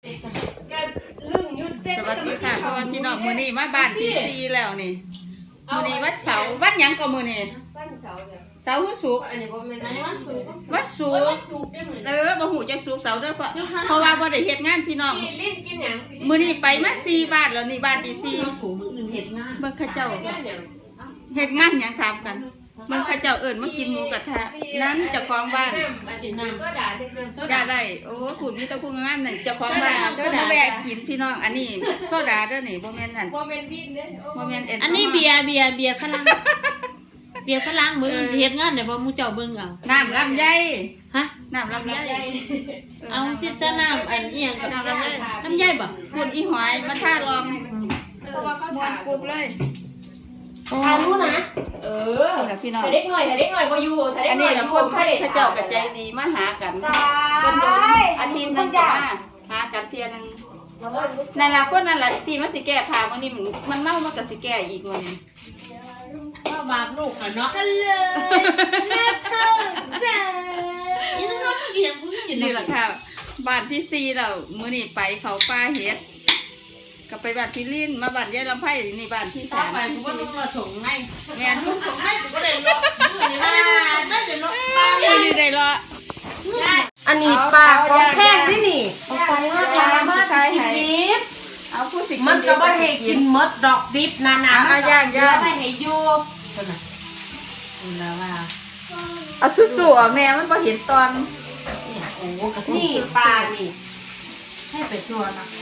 สวัสดีค่ะพ่อพี่น้องมื้อนี้มาบ้านที่ซีแล้วนี่มื้อนี้วัดเสาร์วัดหยังก็มื้อนี้วันเสาร์เนี่ยเสาร์คือศุกร์อันนี้บ่แม่นวัดศุกร์บ่ฮู้จักศุกร์เสาร์เด้อเพราะว่าบ่ได้เฮ็ดงานพี่น้องลิ้นกินหยังมื้อนี้ไปมา4บ้านแล้วนี่บ้านที่4 เฮ็ดงานเบิ่งเขาเจ้าเฮ็ดงานหยังถามกันเบิ่งเขาเจ้าเอิ้นมากินหมูกระทะนั้นเจ้าของบ้านโซดาซื่อจะได้โอ้พูดมีแต่ผู้งามนั่นเจ้าของบ้านเพิ่นมาแวะกินพี่น้องอันนี้โซดาเด้อนี่บ่แม่นนั่นบ่แม่นวินเด้บ่แม่นอันนี้เบียร์ฝรั่งเบียร์ฝรั่งมื้ออื่นสิเฮ็ดงานได้บ่หมู่เจ้าเบิ่งเอาน้ำลำไยฮะน้ำลำไยเอาสิจะน้ำอันอีหยังกับน้ำลำไยบ่คุณอีหอยมาท่าลองม่วนกรุบเลยทานรู้นะพี่น้องถ้าเด็กน้อยบ่อยู่ถ้าเด็กน้อยอันนี้ล่ะคนไทยเขาเจ้าก็ใจดีมาหากันเพิ่นโดนอาทิตย์นึงก็มาหากันเที่ยนึงนั่นล่ะคนนั่นล่ะที่มันสิแก้ผ้ามื้อนี้มันเมามันก็สิแก้อีกมื้อนี้ว่าบาปลูกกันเนาะกันเลยนะเธอจ้าอีนั่นก็เกี่ยงผู้กินนี่ล่ะค่ะบ้านที่4แล้วมื้อนี้ไปเขาป่าเฮ็ดก็ไปบ้านพี่ลิ้นมาบ้านยายลำไผ่นี่บ้านที่3 ไปกูบ่ต้องมาส่งในแม่นส่งในกูก็ได้รอนี่ได้รอนี่ได้รออันนี้ปลาของแพงที่นี่มาใช้ให้เอาผู้สิมันก็บ่ให้กินมดดอกดิบนาเอาย่างไม่ให้อยู่ซั่นน่ะนี่ล่ะว่าเอาสู้ๆออกแน่มันบ่เห็นตอนนี่ปลานี่ให้ไปชัวนะ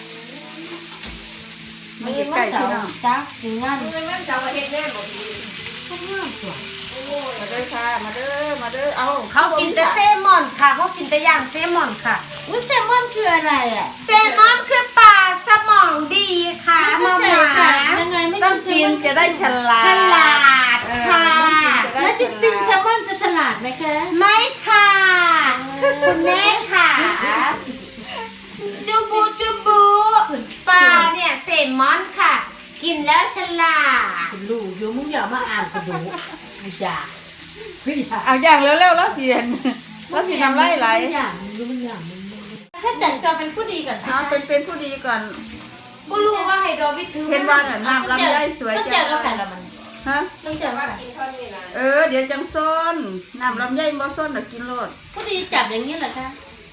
มันใกล้พี่น้องจ้าถึงงานมันเสาร์อาทิตย์แน่บ่ดีทุกงานตัวมาเด้อค่ะมาเด้อเอาเขากินแต่เซลมอนค่ะเขากินแต่ย่างเซลมอนค่ะอุ้ยแซลมอนคืออะไรอ่ะเซลมอนคือปลาสมองดีค่ะมาหมายังไงไม่ต้องกินจะได้ฉลาดค่ะแล้วจริงๆแซลมอนจะฉลาดไหมคะไม่ค่ะคุณแม่ค่ะจูบูปลาเนี่ยเซลมอนค่ะกินแล้วฉลาดคุณลูกอยู่มึงอย่ามาอ่านกระดูกไม่อยากเอาอย่างเร็วแล้วเสียนแล้วสิทำไรไหลอย่างมึงอย่างมึงถ้าจัดจะเป็นผู้ดีก่อนเอาเป็นผู้ดีก่อนไม่รู้ว่าไฮโดรวิทถือเห็นว่าน้ำลำไยสวยจังฮะต้องจับว่ากินข้าวนี่นะเดี๋ยวจังซ้นน้ำลำไยบ่ซ้นแต่กินโลดผู้ดีจับอย่างนี้เหรอคะ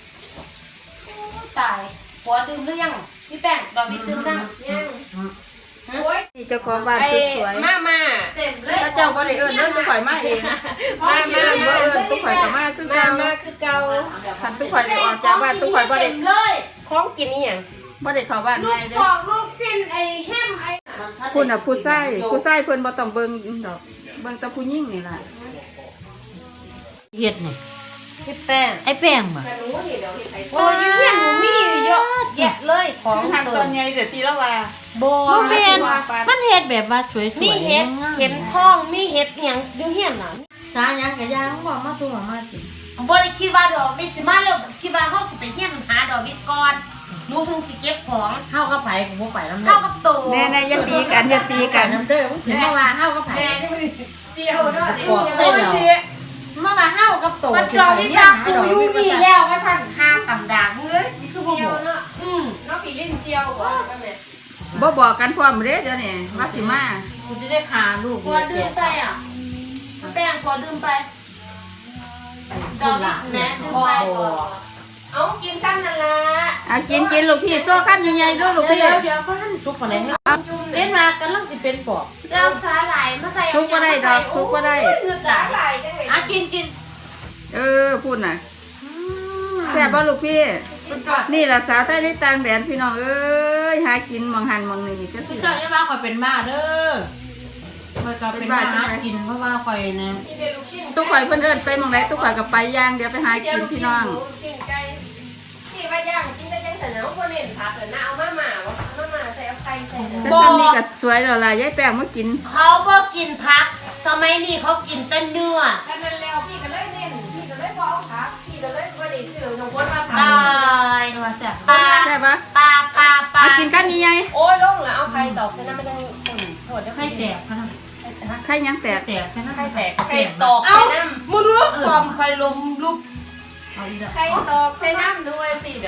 ตายหัวดื่มหรือยังพี่แป้งดอกวิทดื่มยังโอ้ยเจ้าของบ้านสวยมาเต็มเลยถ้าเจ้าบ่ได้เอิ้นตุ๊กข่อยมาเองตุ๊กข่อยก็มาคือเก่าคันตุ๊กข่อยได้ออกจากบ้านตุ๊กข่อยบ่ได้ของกินนี่หยังบ่ได้เข้าบ้านง่ายเด้อลูกสิ้นไอ้แฮมไอ้คุณน่ะผู้ชายเพิ่นบ่ต้องเบิ่งดอกเบิ่งแต่ผู้หญิงนี่ล่ะเฮ็ดนี่พี่แป้งไอ้แป้งบ่โอ้ยเฮียนหนูมีเยอะแยะเลยของทางตอนใหญ่เดี๋ยวทีละว่าบ่แม่นมันเฮ็ดแบบว่าสวยๆมีเฮ็ดเข็มทองมีเฮ็ดหยังอยู่เฮียนน่ะสาหยังก็ย่างบ่มาตัวมาสิบ่ได้คิดว่าดอกวิสิมาแล้วคิดว่าเฮาสิไปเฮียนหาดอกวิก่อนหนูถึงสิเก็บของเฮากับไผกูบ่ไปนำเฮากับโตแน่ๆอย่าตีกันนำเด้อมึงถึงว่าเฮากับไผแม่เสี่ยวเนาะมาว่าเฮากับโตมันดอกวิรักกูอยู่นี่แล้วว่าซั่นหาตำดางเอ้ยนี่คือบ่บอกเนาะเนาะพี่ลิ้นเสี่ยวบ่แม่บ่บอกกันพร้อมเด้เดี๋ยวนี้ว่าสิมากูจะได้พาลูกพอดื่มไปอ่ะแป้งพอดื่มไปดอกวิแม่ดื่มไปเอากินซ้ำนั่นล่ะกินลูกพี่โซ่คำใหญ่ๆด้วยลูกพี่เดี๋ยวก็ท่านซุปอะไรให้เล่นมากันลังสิเป็นปอบเราสาหร่ายมาใส่ซุปก็ได้ดอกซุปก็ได้เงือกสาหร่ายจังเลยกินพูดน่ะแซ่บบ่ลูกพี่นี่ล่ะสาวใต้ในต่างแดนพี่น้องเอ้ยหากินมองหันมองนี่ก็สิเจ้าอย่าว่าข่อยเป็นบ้าเด้อข่อยก็เป็นบ้าหากินเพราะว่าข่อยเนี่ยตุ๊กข่อยเพิ่นเอิ้นไปมองไหนตุ๊กข่อยก็ไปย่างเดี๋ยวไปหากินพี่น้องที่ว่าย่างกินได้จังซั่นเนาะบ่เน้นผักเด้อนะเอามาใส่เอาไข่ใส่แต่ตอนนี้ก็สวยแล้วล่ะยายแป้งมากินเขาบ่กินผักสมัยนี้เขากินแต่เนื้อฉะนั้นแล้วพี่ก็เลยเน้นพี่ก็เลยบ่เอาผักพี่ก็เลยบ่ได้ซื้อน้องคนมาผักตายว่าแซ่บปลาใช่ปะปลาเอากินกันใหญ่โอ้ยลงแล้วเอาไข่ตอกใส่น้ำมันยังโทษไข่แตกค่ะไข่ยังแตกแค่นั้นไข่แตกไข่ตอกใส่น้ำมึงรู้ความไฟลมลุกไข่ตอกใส่น้ำด้วยสิเดี๋ยว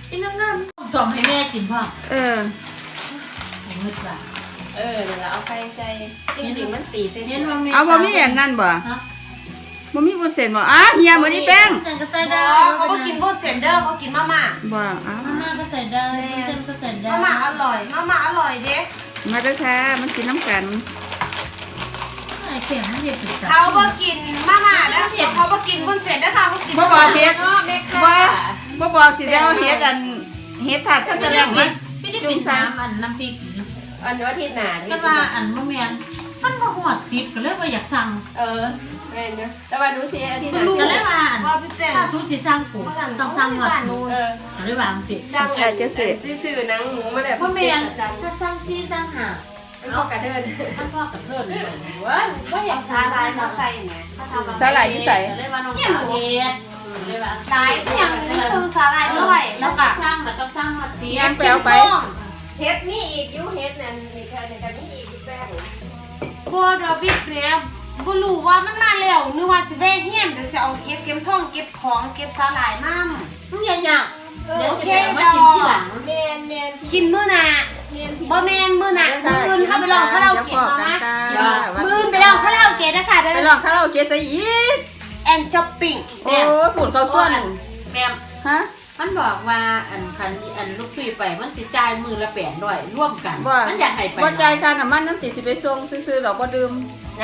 พี่น้องๆสอมให้แม่กินพ่อเออเงินบาทเดี๋ยวเอาไข่ใส่จริงๆมันตีเส้นเห็นว่าแม่เอาบ่มีอันนั้นบ่ฮะบ่มีวุ้นเส้นบ่อ้าเฮียบ่นี่แป้งเส้นก็ใส่เด้ได้อเขาบ่กินบุญเซนเดอร์เขากินมาม่าบ่อ้ามาม่าก็ใส่ได้เส้นก็ใส่ได้มาม่าอร่อยมาม่าอร่อยเด้มาเด้อค่ะมันกินน้ำกันไอ้เข็มไม่เห็ดติดจับเขาบ่กินมาม่านะเขาบ่กินบุญเซนเด้อค่ะเขากินบ่บอกเฮ็ดเนาะแม่ค่ะบ่บอกสิได้เอาเฮ็ดอันเฮ็ดถาดก็จะแรงมาไม่ได้เป็นน้ำอันน้ำพริกอันนี้ว่าที่หนาก็ว่าอันมะเมียนมันมาหอดจิตก็เลยว่าอยากสั่งแม่เนาะแต่ว่าดูสิอาทิตย์หก็นาเลยว่าอันว่าพี่แป้งถ้าทุกที่สั่งกูต้องสั่งหมดก็เลยว่าสิจังซื่อๆหนังหมูมาแบบมะเมียนถ้าสั่งที่สั่งหาเอากระเดินถ้าพ่อกับเพื่อนเว้ยว่าอยากสาลายมาใส่แหมสาหร่ายอยู่ไสเลยว่าน้องสาวเฮ็ดเลยว่าลายอย่างนี้คือสาลายด้วยแล้วก็สร้างมันต้องสร้างมาเสียยังไปเอาไปเฮ็ดนี่อีกยูเฮ็ดนั่นนี่ค่ะนี่กันนี่อีกแป้งบ่ดอกบิ๊กแกรบบ่รู้ว่ามันมาแล้วนึกว่าจะแว่เฮียนเดี๋ยวจะเอาเก็บทองเก็บของเก็บสาลายน้ำมึงอย่าเดี๋ยวจะมากินที่หลังแมนกินมื้อหน้าบ่แม่นมื้อหน้ามื้ออื่นเข้าไปลองคาราโอเกะมามื้ออื่นไปลองคาราโอเกะนะคะเด้ไปอลองคาราโอเกะซะอีกแอนช้อปปิ้งโอ้ฝุ่นเขาส่วนแม่ฮะมันบอกว่าอันลูกพี่ไปมันสิจ่ายมือละ800ร่วมกันว่ามันอยากให้ไปบ่จ่ายค่าน้ำมันน้ำสิไปส่งซื้อๆดอกบ่ดื่มนะ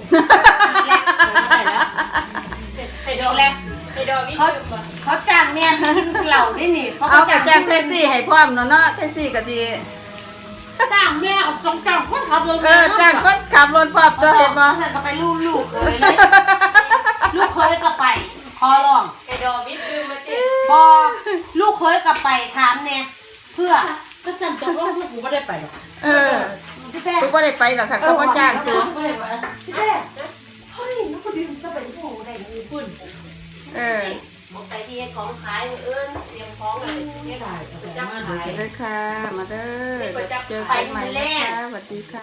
ไฮโดรไฮโดรวิเขาจ้างแม่กินเหล้าได้นี่เขาเอาก็กระแจ้งแท็กซี่ให้พร้อมเนาะแท็กซี่ก็สิจ้างแม่เอาจงจ้างคนขับรถจ้างคนขับรถพร้อมตัวเห็นบ่เธอก็ไปลูกเคยเลยลูกเคยก็ไปขอร้องไฮโดรวิคือมาเจ็บอลูกเคยก็ไปถามเนี่ยเพื่อก็จังตกลงที่กูไม่ได้ไปหรอกเออพี่แป้กูบ่ได้ไปหรอกค่ะเขาบ่จ้างกูไม่ได้ไปพี่แป้เฮ้ยลูกคนอื่นจะเป็นผู้ใดมีพุ่นเออไปที่ของขายเอิ้นเตรียมของเลยเนี่ยได้จับขายเลยค่ะ มาเด้อเจอกันใหม่นะคะสวัสดีค่ะ